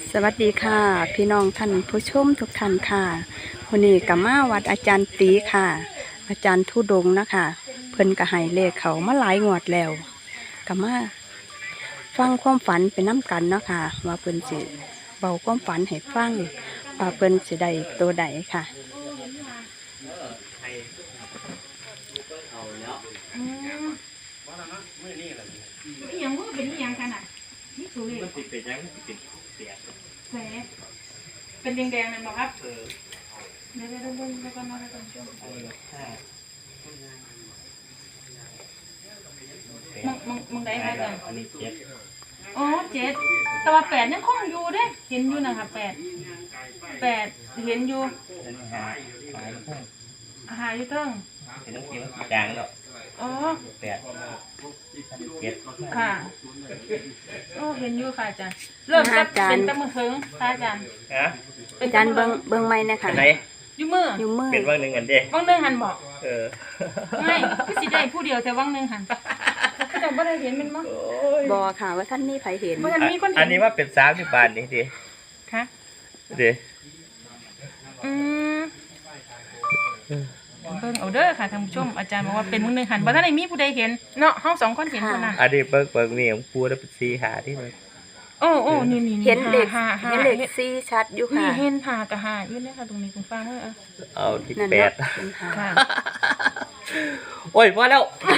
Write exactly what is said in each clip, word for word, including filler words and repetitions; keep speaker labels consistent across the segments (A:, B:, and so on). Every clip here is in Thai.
A: สวัสดีค่ะพี่น้องท่านผู้ชมทุกท่านค่ะวันนี้กับมาวัดอาจารย์ตีค่ะ อาจารย์ทุดงค์นะคะเพิ่นกระหายเลขเขามาหลายงวดแล้วกับมาฟังความฝันเป็นน้ำกันเนาะค่ะว่าเพิ่นสิเบาความฝันให้ฟังว่าเพิ่นสิได้ตัวใดค่ะ
B: นี่ยังว่าเป็นยังขนาดนี่สูงเลย
C: มันติดเป็นยังมันติดเป็นเสีย
B: แสบเป็นแดงๆเลยบอกครับ
C: เออ
B: เดี๋ยวเดี๋ยวเดี๋ยวแล้วก็มาแล้วกันช่วง
C: เออห้า
B: มึงมึงมึงได้ค่ะจัง
C: อันนี้เจ็ด
B: อ๋อเจ็ดแต่ว่าแปดยังคงอยู่เด้เห็นอยู่นะคะแปดแปดเห็นอยู่
C: อันนี้ห้าหายพุ่ง
B: อาหารอยู่เทิง
C: เห็นต้องกินมันจางแล้ว
B: อ๋อ
C: แปดอันนี้เจ็ด
B: ค่ะโอ้เห็นอยู่ค่ะอาจารย์เริ่มจะเป็นตะมือเทิงค่ะอาจารย์
C: ฮะ
A: อาจารย์เบิ่งเบิ่งไม้นะคะ
C: อันไหน
B: อยู่มือ
A: อยู่มือ
C: เป็นว่างหนึ่งอันเด้
B: ว่างหนึ่งหันบอก
C: เออ
B: ไม่พี่สิได้ผู้เดียวแต่ว่างหนึ่งหันแต่บ่ได้เห็นมันมั้ง
C: โอ้ย
A: บอค่ะว่าท่านนี่ไผเห็น
B: บ่ทันมีคนเห็น
C: อันนี้ว่าเป็นสามสิบบาทนี่ดิ
B: ค่ะ
C: ดิ
B: อืมเบิ่งเอาเด้อค่ะท่านผู้ชมอาจารย์บอกว่าเป็นมื้อหนึงหันบ่ทันได้มีผู้ใดเห็นเนาะเฮาสองคนเห็นเท่านั้น
C: อันนี้เบิกเบิกนี่ของปูแล้วเป็นสีหาที่มัน
B: โอ้โอ้นี่นี่
A: เห็นเลข
B: หาหา
A: เห็นเลขสี่ชัดอยู่
B: นี่
A: ค่ะ
B: เห็นหากะหาอยู่เนี่ยค่ะตรงนี้คุณฟังเด้ออ่ะ
C: เอาที่
A: นั่น
C: แป
A: เนาะ
C: ด
A: เป็นหา
B: ค่ะ
C: โอ้ยพอแล้ว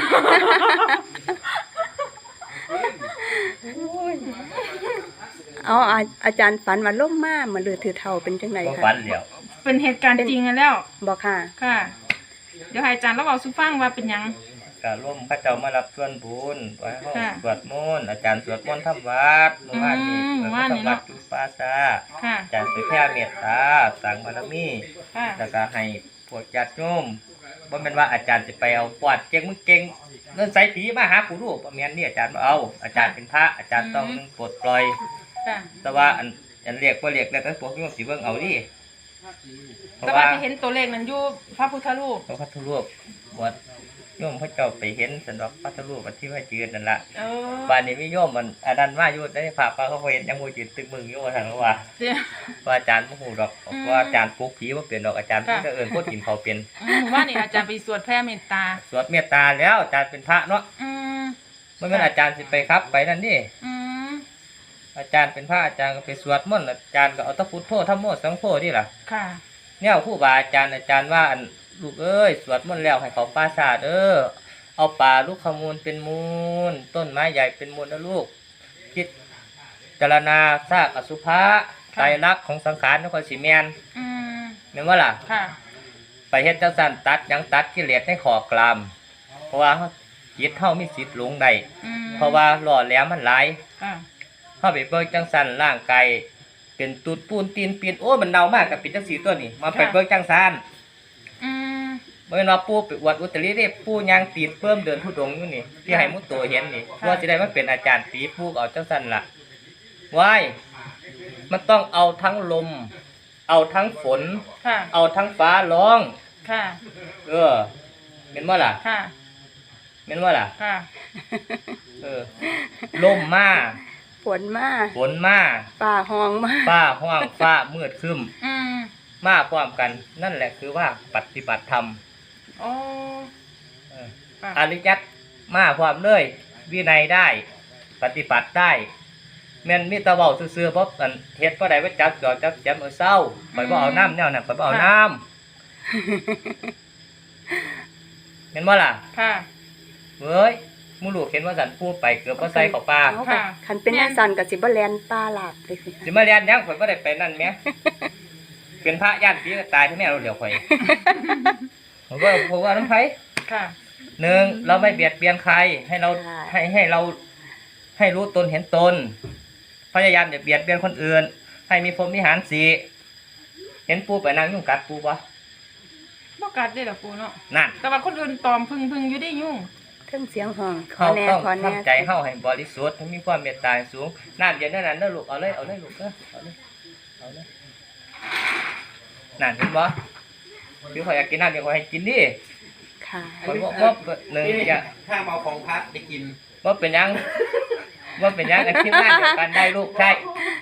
A: เอาอาอาจารย์ฝันว่าล่มมามาเลือถือเท่าเป็นจังได
C: ก็
A: ค่ะ
C: ฟันเดียว
B: เป็นเหตุการณ์จริงกันแล้ว
A: บอกค่ะ
B: ค่ะ เดี๋ยวให้อาจารย์เราเว้าสู่ฟังว่าเป็นหยัง
C: ก็ร่วมพระเจ้ามารับส่วนบุญไว้ห้อง
B: ค่ะ
C: สวดมนต์อาจารย์สวดมนต์ทำวัดเมื่อวานนี้
B: อืม
C: เมื่อ
B: ว่านนี่
C: ทำวั
B: เนาะ
C: ดจุปาซา
B: ค่ะ
C: อาจารย์ไปแผ่เมตตาสั่งบารมี
B: ค่ะ
C: แล้วก็ให้พวกญาติโยมบ่แม่นว่าอาจารย์สิไปเอาปอดเก่งมึงเก่งเงินใส่ผีมาหาผู้รู้บ่แม่นนี่อาจารย์บ่เอา อาจารย์เป็นพระอาจารย์ต้องนึงปลดปล่อย
B: ค่ะ
C: แต่ว่าอันอันเรียกบ่เรียกแล้วแต่พวกโยมสิเบิ่งเอาดิเพ
B: แต่
C: ราะ
B: ว่า
C: ว่า
B: ที่เห็นตัวเลขนั้นอยู่พระพุทธรูป
C: พระพุทธรูปบวชโยมพระเจ้าไปเห็นสันดอกพระพุทธรูปอันที่ว่ายืนนั่นล่ะ
B: เออ
C: บ้านนี้มีโยมมันอันนั้นมาอยู่ได้พระพระเขาเห็นยังบ่ยืนตึกมึงอยู่ว่าซั่นว่า
B: เดี๋ยว
C: ว่าอาจารย์บ่ฮู้ดอก
B: อืม
C: ว่าอาจารย์ปลุกผีบ่เป็นดอกอาจารย์
B: ค่ะ
C: เพิ่นก็เอิ้นคนกินข้าวเป็น
B: อืมว่านี่อาจารย์ไปสวดแผ่เมตตา
C: สวดเมตตาแล้วอาจารย์เป็นพระเนาะ
B: อืม
C: มันเป็นอาจารย์สิไปครับไปนั่นนี่
B: อืม
C: อาจารย์เป็นพระอาจารย์ก็ไปสวดมนต์อาจารย์ก็เอาแตะพุทโธธรรมโมสังโฆนี่ล่ะ
B: ค่ะ
C: เนี่ยครูบาอาจารย์อาจารย์ว่าอันลูกเอ้ยสวดมนต์แล้วให้เขาปราสาทเด้อเอาป่าลูกขมูลเป็นมูลต้นไม้ใหญ่เป็นมูลนะลูกคิดจารณาซากอสุภะไตรลักษณ์ของสังขารนครศรีแมน
B: อืม
C: แม่นว่าล่ะ
B: ค่ะ
C: ไปเฮ็ดจังซั่นตัดหยังตัดกิเลสในขอกลามเพราะว่าจิตเฮามีสิทธิ์หลงได้
B: อืม
C: เพราะว่าหล่อแหลมมันหลาย
B: ค่ะ
C: เฮาไปเบิ่งจังซั่นร่างกายเป็นตูดปูนตีนปีนโอ้มันเน่ามากกับเป็นจังซี่ตัวนี้มาไปเบิ่งจังซั่น
B: อืม
C: บ่แม่นว่าปู่ไปอวดอุตริเด้ปู่ย่างตีนเพิ่มเดินทุดงค์อยู่นี่ที่ให้มุตโตเห็นนี่ว่าสิได้มาเป็นอาจารย์ตีปู่ก็เอาจังซั่นล่ะว้ายมันต้องเอาทั้งลม เอาทั้งฝน
B: ค่ะ
C: เอาทั้งฟ้าร้อง
B: ค่ะ
C: เออแม่นบ่ล่ะ
B: ค่ะ
C: แม่นบ่ล่ะ
B: ค่ะ
C: เออลมมา
A: ฝนมา
C: ฝนมา
A: ป่าห้องมา
C: ฟ้าห้องฟ้ามืดครึ้ม
B: อืม
C: มาพร้อมกัน นั่นแหละคือว่าปฏิบัติธรรม
B: โอ้
C: เออ
B: ค่ะ
C: อริยัตมาพร้อมเลยวินัยได้ ปฏิบัติได้แม่นมีแตะเว้าซื่อๆเพราะอันเฮ็ดบ่ได้ว่าจับจอดจับแจมเอาเศร้าข่อยบ่เอาน้ำแนวนั้นข่อยบ่เอาน้ำแม่นบ่ล่ะ
B: ค่ะ
C: เว้ยหมู่ลูกเห็นว่าสันพูดไปเกือบบ่ใส่เข้าป่า
A: เอาค่ะคันเป็นจังซั่นก็สิบ่แล่นป่าหลาบเลยสิ
C: สิมาเรียนหยังข่อยบ่ได้ไปนั่นแหม เป็นพระย่านผีก็ตายที่แม่เราเดี๋ยวข่อยผมว่าผมว่าน้ำไผ
B: ค่ะ
C: หนึ่งเราไม่เบียดเบียนใครให้เราให้ให้เราให้รู้ตนเห็นตนพยายามอย่าเบียดเบียนคนอื่น ให้มีพรหมวิหารสีเห็นปูไปนั่งยุ่งกัดปูปะ
B: บ่กัดได้ล่ะปูเนาะ
C: นั่น
B: แต่ว่าคนอื่นตอมพึ่งพึ่งอยู่ได้ยุ่ง
A: เครื่องเสียงห้องขอ
C: เขา
A: แน่
C: ต้อง
A: ขอแน่
C: ทำใจเข้าให้บริสุทธิ์ให้มีความเมตตาสูงน้ำเย็นนั่นนั่นเด้อลูกเอาเลยเอาเลยลูกเด้อเอาเลยเอาเลยนั่นเห็นบ่พี่ขอยอยากกินน้ำเดี๋ยวขอยให้กินดิ
A: ค่ะ
C: ขอยบ่บ่หนึ่งอย่า
D: ถ้าเอาของพัดไปกิน
C: บ่เป็นหยังบ่เป็นหยังไอ้ทีมงานเดียวกันได้ลูกใช่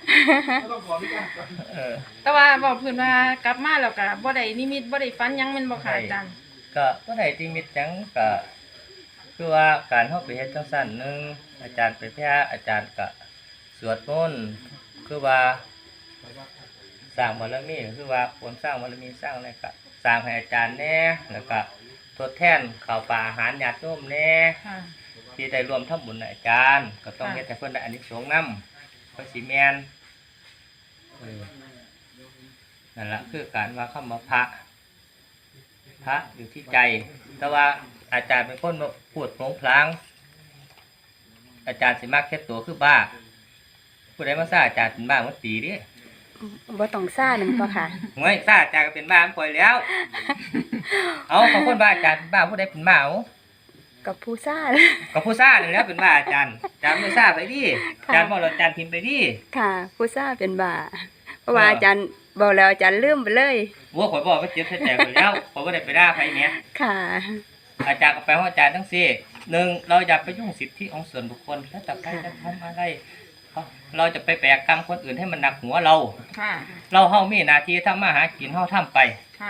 C: เออ
B: แต่ว่าบอกเพิ่นว่ากลับมาแล้วก็บ่ได้นิมิตบ่ได้ฝันหยังแม่นบ่ค่ะอาจารย์
C: ก็บ่ได้ที่มิตหยังก็คือว่าการเฮาไปเฮ็ดจังซั่นหนึงอาจารย์ไปแพ้อาจารย์ก็สวดมนต์คือว่าสร้างบารมีคือว่าควรสร้างบารมีสร้างอะไรก็สร้างให้อาจารย์แหน่แล้วก็ทดแทนข้าวปลาอาหารญาติโยมแหน่
B: ค่ะ
C: ที่ได้รวมทำบุญกับอาจารย์ก็ต้อง
B: ค่ะ
C: เฮ็ดให้เพิ่นได้อานิสงส์นำเพิ่นสิแม่นเออนั่นล่ะคือการว่าคำว่าพระพระอยู่ที่ใจ แต่ว่าอาจารย์เป็นคนพูดโผงผลางอาจารย์สิมักเฮ็ดตัวคือบ้าผู้ใดมาซ่าอาจารย์เป็นบ้ามันตีดิ
A: บ่ต้องซ่านั่นบ่ค่ะ
C: ห่วยซ่าอาจารย์ก็เป็นบ้ามันปล่อยแล้ว เอาของคนบ้าอาจารย์เป็นบ้าผู้ใดเป็นบ้าเอา
A: กับผู้ซ่า
C: ก็ผู้ซ่านี่แหล้วเป็นบ้าอาจารย์อาจารย์ไม่ซ่าไปดิอาจารย์บ่เราอาจารย์พิมพ์ไปดิ
A: ค่ะ ผู้ซ่าเป็นบ่าเพราะว่าอาจารย์บอกแล้วอาจารย์ลืมไปเลย
C: วัวข่อยบอกว่าเจ็บใส่ใจข่อยแล้วข่อยบ่ได้ไปด่าใครแหม
A: ค่ะ
C: อาจารย์ก็ไปว่าอาจารย์ทั้งสี่หนึ่งเราอย่าไปยุ่งสิทธิของส่วนบุคคลถ้าจะใครจะทำอะไรเราจะไปแบกกรรมคนอื่นให้มันหนักหัวเรา
B: ค่ะ
C: เราเฮามีหน้าที่ทำมาหากินเฮาทำไป
B: ค่ะ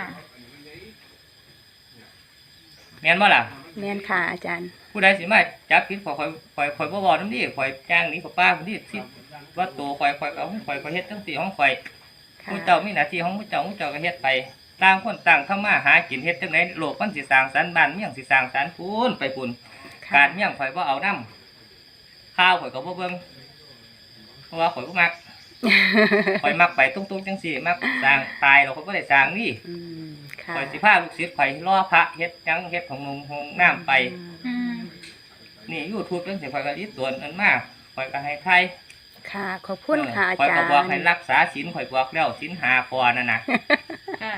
C: แม่นบ่ล่ะ
A: แม่นค่ะอาจารย์
C: ผู้ใดสิมาจับผิดข่อยข่อยข่อยข่อยบ่บอกนำนี้ข่อยจ้างหนี้ข่อยป้าคนที่ที่ว่าตัวข่อยข่อยก็เอาของข่อยข่อยเฮ็ดจังซี่ของข่อย
A: ค่ะ
C: ผู้เจ้ามีหน้าที่ของผู้เจ้าผู้เจ้าก็เฮ็ดไปต่างคนต่างทำมาหากินเฮ็ดจังได๋โลกมันสิสร้างสรรค์บ้านเมืองสิสร้างสรรค์พูนไปพูน
A: ค่ะ
C: การเมี่ยงข่อยบ่เอานำข้าวข่อยก็บ่เบิ่งเพราะว่าข่อยบ่มัก ข่อยมักไปตุ้งๆจังซี่มักสร้างตายแล้วข่อยบ่ได้สร้างนี่
A: อืมค่ะ
C: ข่อยสิพาลูกศิษย์ข่อยรอพระเฮ็ดหยังเฮ็ดของนงหงน้ำไป
B: อืม
C: นี่ YouTube จังซี่ข่อยก็รีตวนอันมาข่อยก็ให้ไทย
A: ค่ะขอบคุณค่ะอา
C: ข่อย
A: จาร
C: ก็
A: ย์
C: บอกให้รักษาศีลข่อยบอกแล้วศีลห้าข้อนั่นน่ะ
B: ค่ะ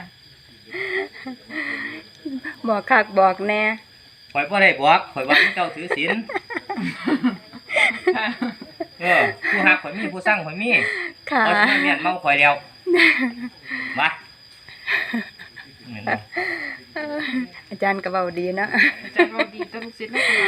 A: บอกคักบอกแน่
C: ข่อยบ่ได้บอกข่อยบอกให้เจ้าถือศีล
B: ค่ะ
C: เออผู้ฮักข่อยมีผู้สั่งข่อยมี
A: ค่ะ
C: ข่อยสิมาเมียนเมาข่อยแล้วมาแม่นบ่
A: อาจารย์ก็เว้าดีเนาะ
B: อาจารย์บอกดีตัวลูกศิษย์ลูกหลาน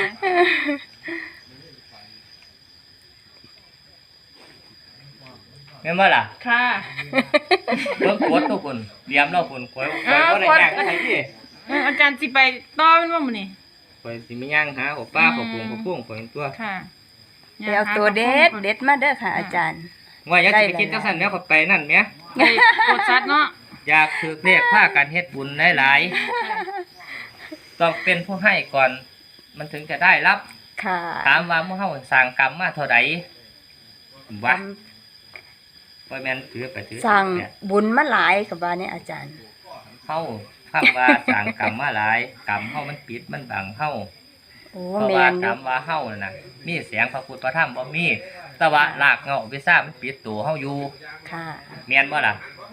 C: แม่นบ่ล่ะ
B: ค่ะ
C: เบิ่งกดทุกคนเตรียมแล้วคนข่อยข่อยบ่ได้ย่างไผดิ
B: เอออาจารย์สิไปต่อแม่นบ่มื้อนี้
C: ข่อยสิมีย่างหาของป้าของปุงของปุ้งข่อยตัว
B: ค่ะ
A: ไปเอาตัวเด็ดเด็ดมาเด้อค่ะ อาจารย์
C: ว่าอย่าสิไปคิดจังซั่นแล้วข่อยไปนั่นแหม
B: ไปโคตรชัดเนาะ
C: อยากถือเลขพากันเฮ็ดบุญหลายๆต้องเป็นผู้ให้ก่อนมันถึงจะได้รับ
A: ค่ะ
C: ถามว่าหมู่เฮาสร้างกรรมมาเท่าใดวะบ่แม่นถือไปถือ
A: สั่ง
C: เนี่ย
A: บุญมาหลายกับว่าเนี่ยอาจารย์
C: เฮาคำว่าสร้างกรรมมาหลายกรรมเฮามันปิดมันบังเฮา
A: โอ้
C: เพราะ
A: แม
C: ว่าน
A: อก
C: รร
A: ยู่
C: มว่าเฮานั่นน่ะมีเสียงพระพุทธพระธรรมบ่มีแต่ว่ารากเหง้าวิชามันปิดตัวเฮาอยู่
A: ค่ะ
C: แม่นบ่ล่ะ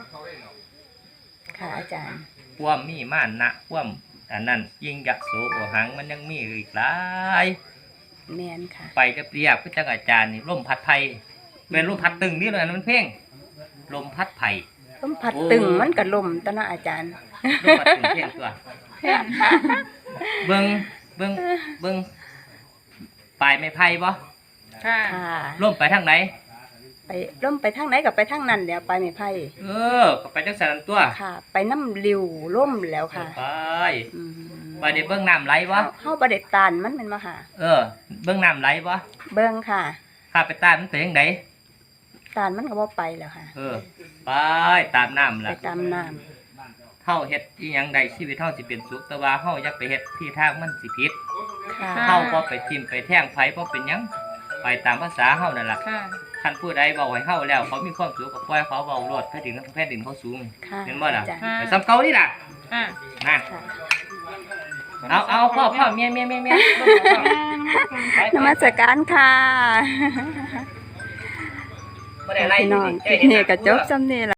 A: ค่ะอาจารย์
C: ความมีมานะความอันนั้นยิ่งยักษ์โสโอหังมันยังมีอีกหลาย
A: แมนค่ะ
C: ไปกับเรียบก็จังอาจารย์นี่ลมพัดไผ่เป็นลมพัดตึงนี่เลยนะมันเพ่งลมพัดไผ่
A: ลมพัด
C: โอ้
A: ตึงมันก็ลมตะเนาะอาจารย์
C: ลมพัดตึงเพ่งตัวเบิ่งเบิ่งเบิ่งปลายไม้ไผ่บ่
B: ค่ะ
A: ค่ะ
C: ลมไปทางไหน
A: ไปลมไปทางไหนกับไปทางนั้นแล้วไปไม่ไพ่
C: เออก็ไปจังสันตัว
A: ค่ะ ไปน้ำริวล่มแล้วค่ะ
C: ไป
A: อืม
C: ไปเดี๋ยวเบิ่งน้ำไหลบ่
A: เฮาเฮาบ่ได้ตานมันแม่นบ่ค่ะ
C: เออ เบิ่งน้ำไหลบ่
A: เบิ่งค่ะ
C: ข้าไปตามมันไปทางไหน
A: ตานมันก็บ่ไปแล้วค่ะ
C: เออ ไปตามน้ำ
A: ไป
C: ล่ะ
A: ตามน้
C: เฮาเฮ็ดอีหยังใดชีวิตเฮาสิเป็นสุขแต่ว่าเฮาอย่าไปเฮ็ดที่ทางมันสิผิด
A: ำค่ะ
C: เฮาบ่ไปทิ่มไปแท่งไผบ่เป็นหยังไปตามภาษาเฮานั่นล่ะ
B: ค่ะ
C: คันผู้ใดเว้าให้เฮาแล้วเขามีความสุขก็ปล่อยเขาเว้าโลดแผ่นดินแผ่นดินเขาสูง
A: ค่ะ
C: เห็นบ่ล่ะ
A: อาจารย์
B: ค่ะ
C: ไปซ้ำเก่านี่ล่ะ
B: ค่ะ
C: นะ
A: ค่ะ
C: เอาเอาพ่อพ่อเมียเมียเมียเมียไป
A: นมัสการค่ะ
C: บ่ได้ไล่
A: พี่น้อง
C: ใจ
A: คลิป
C: เห็
A: นี้
C: หา
A: ก็จบ
C: ผู้
A: ซ้ำนี่ล่ะ